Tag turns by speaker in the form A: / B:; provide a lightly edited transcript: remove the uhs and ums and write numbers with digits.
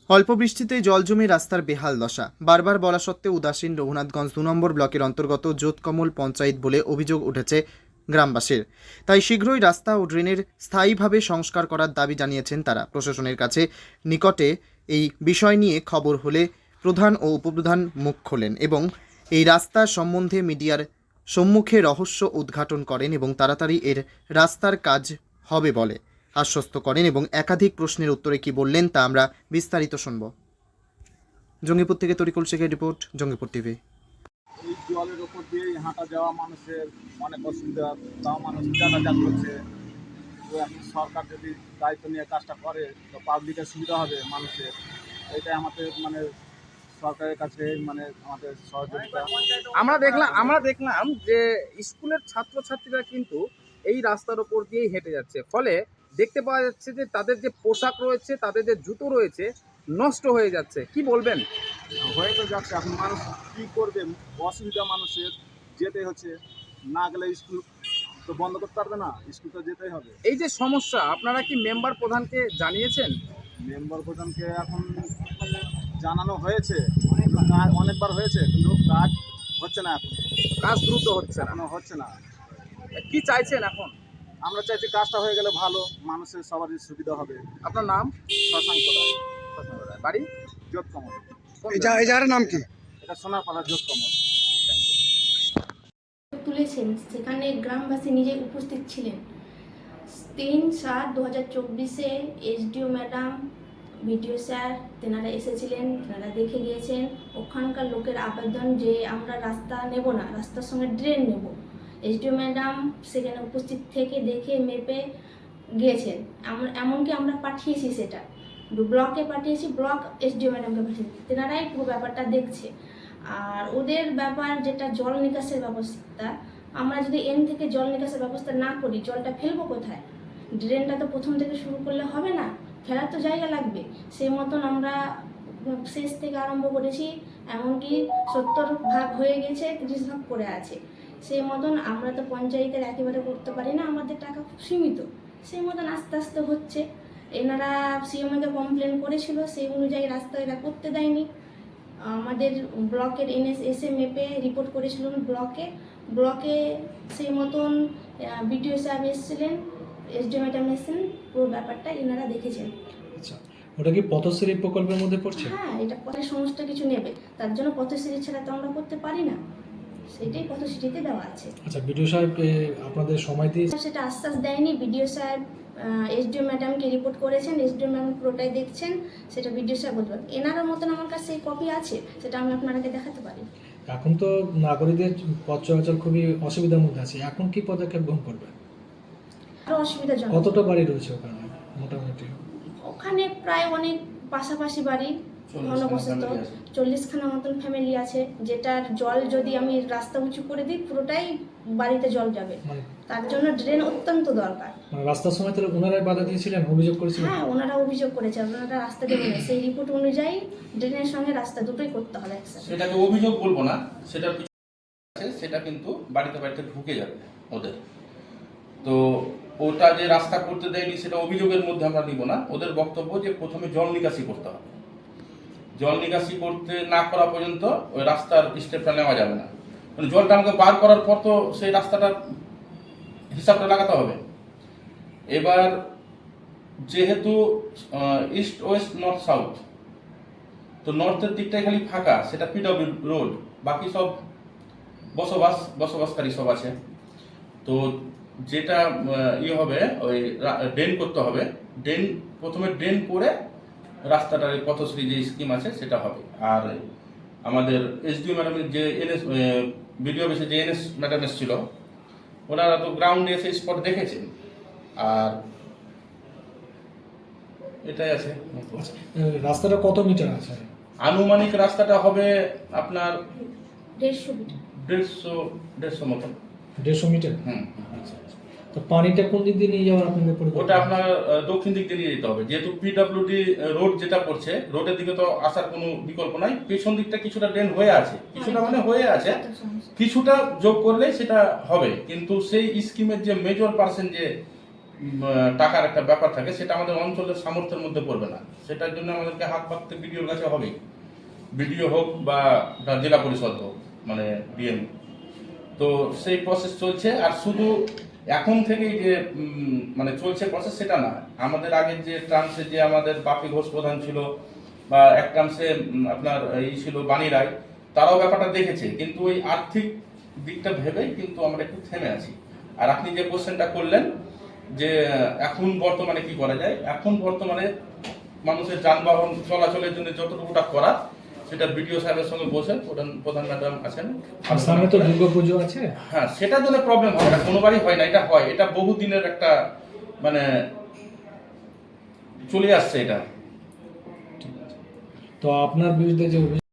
A: অল্প বৃষ্টিতেই জল জমে রাস্তার বেহাল দশা। বারবার বলা সত্ত্বেও উদাসীন রঘুনাথগঞ্জ ২ নম্বর ব্লকের অন্তর্গত জোতকমল পঞ্চায়েত বলে অভিযোগ উঠেছে গ্রামবাসীর। তাই শীঘ্রই রাস্তা ও ড্রেনের স্থায়ীভাবে সংস্কার করার দাবি জানিয়েছেন তারা। প্রশাসনের কাছে নিকটে এই বিষয় নিয়ে খবর হলে প্রধান ও উপপ্রধান মুখ খোলেন এবং এই রাস্তা সম্বন্ধে মিডিয়ার সম্মুখে রহস্য উদ্ঘাটন করেন এবং তাড়াতাড়ি এর রাস্তার কাজ হবে বলে আশ্বস্ত করেন এবং একাধিক প্রশ্নের উত্তরে কি বললেন তা আমরা বিস্তারিত শুনব। জঙ্গিপুর থেকে তরিকুল শেখের রিপোর্ট, জঙ্গিপুর টিভি।
B: এই জলের উপর দিয়ে হাঁটা যাওয়া মানুষের অনেক অসুবিধা, তাও মানুষ যাতায়াত করছে। তো এখন সরকার যদি দায়িত্ব নিয়ে কাজটা করে তো পাবলিকের সুবিধা হবে মানুষের। এটাই আমাদের সরকারের কাছে আমাদের সহযোগিতা।
C: আমরা দেখলাম যে স্কুলের ছাত্রছাত্রীরা কিন্তু এই রাস্তার উপর দিয়েই হেঁটে যাচ্ছে, ফলে দেখতে পাওয়া যাচ্ছে যে তাদের যে পোশাক রয়েছে, তাদের যে জুতো রয়েছে, নষ্ট হয়ে যাচ্ছে। কি বলবেন?
B: হয়ে তো যাচ্ছে, এখন মানুষ কী করবে, অসুবিধা মানুষের, যেতে হচ্ছে। না গেলে স্কুল তো বন্ধ করতে পারবে না, স্কুল তো যেতেই হবে।
C: এই যে সমস্যা, আপনারা কি মেম্বার প্রধানকে জানিয়েছেন?
B: মেম্বার প্রধানকে এখন জানানো হয়েছে, অনেকবার হয়েছে, কিন্তু কাজ হচ্ছে না। এখন
C: কাজ দ্রুত হচ্ছে না,
B: এখনো হচ্ছে না।
C: কি চাইছেন এখন?
B: আমরা চাইছি কাজটা হয়ে গেলে ভালো, মানুষের সবারই সুবিধা হবে।
C: আপনার নাম?
B: শশাঙ্ক রায়,
C: বাড়ি?
B: জোতকমল।
D: এই জায়গার নাম কি?
B: এটা সোনারপাড়া জোতকমল।
E: তুলেছেন, সেখানে গ্রামবাসী নিজে উপস্থিত ছিলেন। ৩/৭/২০২৪-এ এসডিও ম্যাডাম, বিডিও স্যার তেনারা এসেছিলেন, তেনারা দেখে গিয়েছেন। ওখানকার লোকের আবেদন যে আমরা রাস্তা নেব না, রাস্তার সঙ্গে ড্রেন নেব। এসডিও ম্যাডাম সেখানে উপস্থিত থেকে দেখে মেপে গিয়েছেন। এমনকি আমরা পাঠিয়েছি, সেটা ব্লকে পাঠিয়েছি, ব্লক এসডিও ম্যাডামকে পাঠিয়েছি, তেনারাই পুরো ব্যাপারটা দেখছে। আর ওদের ব্যাপার যেটা জল নিকাশের ব্যবস্থা, আমরা যদি এন থেকে জল নিকাশের ব্যবস্থা না করি, জলটা ফেলবো কোথায়? ড্রেনটা তো প্রথম থেকে শুরু করলে হবে না, ফেলার তো জায়গা লাগবে। সেই মতন আমরা শেষ থেকে আরম্ভ করেছি, এমনকি 70% হয়ে গেছে, 30% পড়ে আছে। সেই মতন আমরা তো পঞ্চায়েতের একেবারে করতে পারি না, আমাদের টাকা খুব সীমিত। সেই মতন আস্তে আস্তে হচ্ছে। এনারা সিএমকে কমপ্লেন করেছিল, সেই অনুযায়ী রাস্তা এরা করতে দেয়নি। আমাদের ব্লকের এসে মেপে রিপোর্ট করেছিলেন ব্লকে সেই মতন বিডিও সাহেব এসেছিলেন, এসডিও ম্যাডাম এসেছিলেন, পুরো ব্যাপারটা এনারা দেখেছেন।
D: আচ্ছা, ওটা কি পথশ্রী প্রকল্পের মধ্যে পড়ছে?
E: হ্যাঁ, এটা পথের সমস্ত কিছু নেবে, তার জন্য পথশ্রী ছাড়া তো আমরা করতে পারি না, সেটাই পথশ্রীতে দেওয়া আছে।
D: আচ্ছা, বিডিও সাহেব আপনাদের সময় দিয়ে
E: সেটা আশ্বাস দেয়নি। বিডিও সাহেব এসডিও ম্যাডামকে রিপোর্ট করেছেন, এসডিও ম্যাডাম পুরোটাই দেখছেন, সেটা বিডিও সাহেব বলতে পারেন। এনার মতন আমার কাছে সেই কপি আছে, সেটা আমি আপনাদেরকে দেখাতে পারি।
D: এখন তো নাগরিকদের পথ চলাচল খুবই অসুবিধার মধ্যে আছে, এখন কি পদক্ষেপ গ্রহণ করবেন?
E: আরও অসুবিধাজনক।
D: কতটা বাড়ি রয়েছে ওখানে মোটামুটি?
E: ওখানে প্রায় অনেক পাশাপাশি বাড়ি, ঘনবসত 40খানা মতন ফ্যামিলি আছে, যেটার জল যদি আমি রাস্তা উঁচু করে দিই, পুরোটাই বাড়িতে জল যাবে। তার জন্য ড্রেন অত্যন্ত দরকার।
D: রাস্তার সময় তাহলে ওনারাই বাধা দিয়েছিলেন, অভিযোগ করেছিলেন?
E: হ্যাঁ, ওনারা অভিযোগ করেছেন, ওনারা রাস্তা দেবেন, সেই রিপোর্ট অনুযায়ী ড্রেনের সঙ্গে রাস্তা দুটোই করতে হবে একসাথে।
F: সেটাকে অভিযোগ বলবো না, সেটার কিছু আছে, সেটা কিন্তু বাড়িতে বাড়িতে ঢুকে যাবে ওদের। তো ওটা যে রাস্তা করতে দেয়নি সেটা অভিযোগের মধ্যে আমরা নিব না। ওদের বক্তব্য যে প্রথমে জল নিকাশি করতে হবে, জল নিকাশি করতে না করা পর্যন্ত ওই রাস্তার স্টেপটা নেওয়া যাবে না। মানে জলটা আমাকে বার করার পর তো সেই রাস্তাটার হিসাবটা লাগাতে হবে। এবার যেহেতু ইস্ট ওয়েস্ট নর্থ সাউথ, তো নর্থের দিকটাই খালি ফাঁকা, সেটা পিডব্লিউ রোড, বাকি সব বসবাসকারী সব আছে। তো যেটা হবে, ওই ড্রেন করতে হবে, প্রথমে ড্রেন করে রাস্তাটার পথশ্রী যে স্কিম আছে সেটা হবে। আর আমাদের এসডিও ম্যাডামের যে বিডিও অফিসে যে এনএস ম্যাডাম এসেছিল, ওনারা তো গ্রাউন্ডে এসে স্পট দেখেছেন। আর এটাই আছে।
D: রাস্তাটা কত মিটার আছে?
F: আনুমানিক রাস্তাটা হবে আপনার
E: 150 মিটার।
F: 150 মতো।
D: 150 মিটার?
F: হুম।
D: তো পানিটা কোন দিক দিয়ে নিয়ে যাওয়ার আপনাদের
F: ওটা
D: পরিকল্পনা?
F: আপনার দক্ষিণ দিক দিয়ে নিয়ে যেতে হবে, যেহেতু পিডব্লিউডি রোড যেটা পড়ছে, রোডের দিকে তো আসার কোনো বিকল্প নাই। পেছন দিকটা কিছুটা ড্রেন হয়ে আছে, কিছুটা মানে হয়ে আছে, কিছুটা যোগ করলে সেটা হবে। কিন্তু সেই স্কিমের যে মেজর পার্সেন্ট যে টাকার একটা ব্যাপার থাকে, সেটা আমাদের অঞ্চলের সামর্থ্যের মধ্যে পড়বে না। সেটার জন্য আমাদেরকে হাত পাততে বিডিওর কাছে হবেই, বিডিও হোক বা জেলা পরিষদ হোক, মানে ডিএম। তো সেই প্রসেস চলছে। আর শুধু এখন থেকেই যে মানে চলছে প্রসেস সেটা না, আমাদের আগের যে ট্রান্সে যে আমাদের বাপি ঘোষ প্রধান ছিল, বা এক ট্রান্সে আপনার এই ছিল বাণী রায়, তারাও ব্যাপারটা দেখেছে, কিন্তু ওই আর্থিক দিকটা ভেবেই কিন্তু আমরা একটু থেমে আছি। আর আপনি যে কোশ্চেনটা করলেন যে এখন বর্তমানে কি করা যায়, এখন বর্তমানে মানুষের যানবাহন চলাচলের জন্য যতটুকুটা করা, সেটা বিডিও সাহেবের সঙ্গে বসে প্রধান ম্যাডাম আছেন,
D: আর সামনে তো দুর্গাপুজো আছে।
F: হ্যাঁ, সেটার জন্য প্রবলেম হয় না, কোনোবারই হয় না, এটা হয়, এটা বহুদিনের একটা মানে চলে আসছে এটা।
D: তো আপনার বিরুদ্ধে যে অভিযোগ